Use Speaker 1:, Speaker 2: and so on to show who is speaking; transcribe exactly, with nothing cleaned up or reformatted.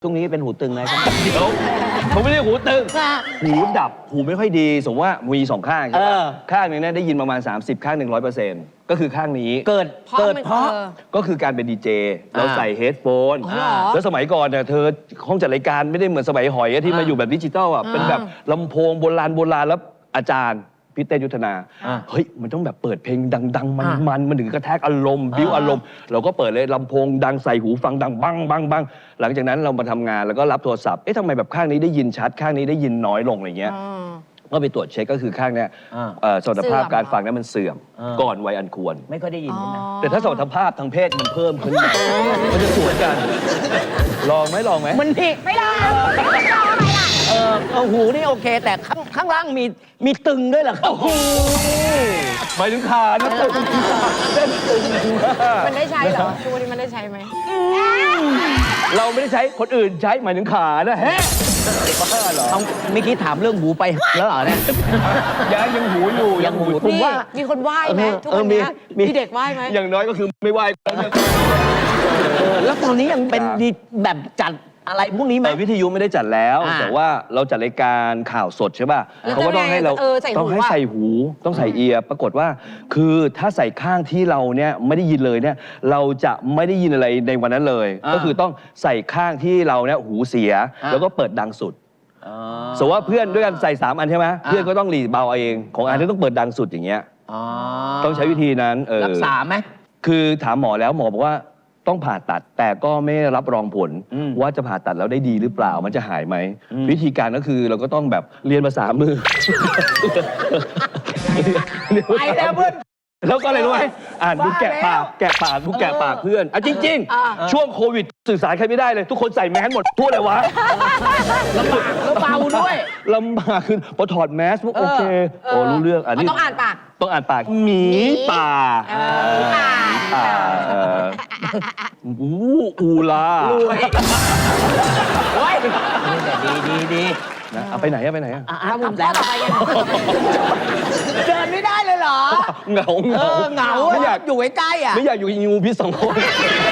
Speaker 1: ช่วงนี้เป็นหูตึงไงครับ
Speaker 2: เดี๋ยวผมไม่ได้หูตึงหูดับหูไม่ค่อยดีสมมติว่ามีสองข้างใช่ไหมข้างหนึงเนี่ยได้ยินประมาณ สามสิบ ข้างหนึ่งร้อยเปอร์เซ็นต์ก็คือข้างนี้
Speaker 1: เกิดเกิดเพราะ
Speaker 2: ก็คือการเป็นดีเจเราใส่เฮดโฟน
Speaker 3: อ๋อเหรอ
Speaker 2: แล้วสมัยก่อนเนี่ยเธอห้องจัดรายการไม่ได้เหมือนสมัยหอยอะที่มาอยู่แบบดิจิตอลอ่ะเป็นแบบลำโพงโบราณโบราณแล้วอาจารย์พี่เต้ยุทธนา
Speaker 1: อ่า
Speaker 2: เฮ้ยมันต้องแบบเปิดเพลงดังๆ
Speaker 1: อ่า
Speaker 2: มันๆมันถึงกระแทกอารมณ์บิ้วอารมณ์เราก็เปิดเลยลำโพงดังใส่หูฟังดังบังบังบังหลังจากนั้นเรามาทำงานแล้วก็รับโทรศัพท์เอ๊ะทำไมแบบข้างนี้ได้ยินชัดข้างนี้ได้ยินน้อยลงอะไรเงี้ย ก็ไปตรวจเช็คก็คือข้างเนี้ย
Speaker 1: อ่า
Speaker 2: เอ่อสมรรถภาพ
Speaker 3: เสื่อม
Speaker 2: การฟังนั้นมันเสื่อม
Speaker 1: อ่า
Speaker 2: ก่อนวัยอันควร
Speaker 1: ไม่ค่อยได้ยินใช่ไหม
Speaker 2: แต่ถ้าสมรรถภาพทางเพศมันเพิ่มขึ้นมามันจะสวนกัน ลองไหมลองไหม
Speaker 1: มันนี่
Speaker 3: ไม่ลองไม่ลองอะไรล่ะ
Speaker 1: เออเอาหูนี่โอเค แต่ข้างข้างล่างมีมีตึงด้วยเหรอครับ
Speaker 2: หมายถึงขานะตึงเส้นตึง
Speaker 3: มันได้ใช้เหรอทุกวันนี้มันได้ใช้ไหม
Speaker 2: เราไม่ได้ใช้คนอื่นใช้หมายถึงขานะแฮะบ้าเหรอ
Speaker 1: เอาเมื่อกี้ถามเรื่องหูไปแล้วเหรอเนี่ย
Speaker 2: ยังยังหูอยู่
Speaker 1: ยังหู
Speaker 2: อ
Speaker 1: ผม
Speaker 3: นี่
Speaker 1: ว่า
Speaker 3: มีคนไหว้ไหม
Speaker 1: เออ
Speaker 3: ทุกวันเนี้ย
Speaker 1: เออมีมี
Speaker 3: มีเด็กไหว้ไหม
Speaker 2: อย่างน้อยก็คือไม่ไหว
Speaker 1: เออแล้วตอนนี้ยังเป็นดีแบบจัดอะไรพวกนี้ไหม
Speaker 2: เออวิทยุไม่ได้จัดแล้ว
Speaker 1: อ่า
Speaker 2: แต่ว่าเราจัดรายการข่าวสดใช่ป่ะ
Speaker 3: แล้ว
Speaker 2: เขาก็ต้องให้เรา
Speaker 3: เออใส่หู
Speaker 2: ต้องให้
Speaker 3: อะ
Speaker 2: ใส่หูต้องใส่เอียร์ปรากฏว่า คือถ้าใส่ข้างที่เราเนี่ยไม่ได้ยินเลยเนี่ยเราจะไม่ได้ยินอะไรในวันนั้นเลย
Speaker 1: อ่า
Speaker 2: ก็คือต้องใส่ข้างที่เราเนี่ยหูเสีย
Speaker 1: อ่า
Speaker 2: แล้วก็เปิดดังสุด
Speaker 1: อ๋อ
Speaker 2: สมมติว่าเพื่อนด้วยกันใส่สามอันใช่ไหม
Speaker 1: อ่า
Speaker 2: เพื่อนก็ต้องหลีเบาเอาเองของอันนี้ต้องเปิดดังสุดอย่างเงี้ย
Speaker 1: อ๋อ
Speaker 2: ต้องใช้วิธีนั้นเออ
Speaker 1: รักษาไหม
Speaker 2: คือถามหมอแล้วหมอบอกว่าต้องผ่าตัดแต่ก็ไม่รับรองผล
Speaker 1: อืม
Speaker 2: ว่าจะผ่าตัดแล้วได้ดีหรือเปล่ามันจะหายไหม
Speaker 1: อืม
Speaker 2: วิธีการก็คือเราก็ต้องแบบเรียนภาษามือ
Speaker 1: ไปแล้วเพื่อน
Speaker 2: แล้วก็อะไรรู้ไหมอ่านดู
Speaker 1: บ้า
Speaker 2: แกะปาก
Speaker 1: แล้ว
Speaker 2: แกะปากดูแกะปากเพื่อนอ่ะจริง
Speaker 3: อ่า
Speaker 2: ๆ ช่วงโควิดสื่อสารใครไม่ได้เลย ทุกคนใส่แมสหมดทั่วเลยวะ
Speaker 1: ลำบากแล้วเบาด้วย
Speaker 2: ลำบากคือพอถอดแมสปุ๊บโอเคโอ้รู้เรื่องอันนี้
Speaker 3: ต้องอ่านปาก
Speaker 2: ต้องอ่านปากหมีป่า
Speaker 3: เออหมีป่า
Speaker 2: ป่าเอออูอูลาร
Speaker 1: วยโอ้ยแต่ดีดีดี
Speaker 2: นะเอาไปไหนอะไปไหนอะ
Speaker 1: อ่ะ
Speaker 3: เอาหมุน
Speaker 1: ทำแล้ว
Speaker 3: ต่อไปยัง
Speaker 1: เดินไม่ได้เลยเหรอ
Speaker 2: เหงา
Speaker 1: เออเหงา
Speaker 2: ไม่อยาก
Speaker 1: อยู่ใกล้ๆอ่ะ
Speaker 2: ไม่อยากอยู่กับงูพิษสองคน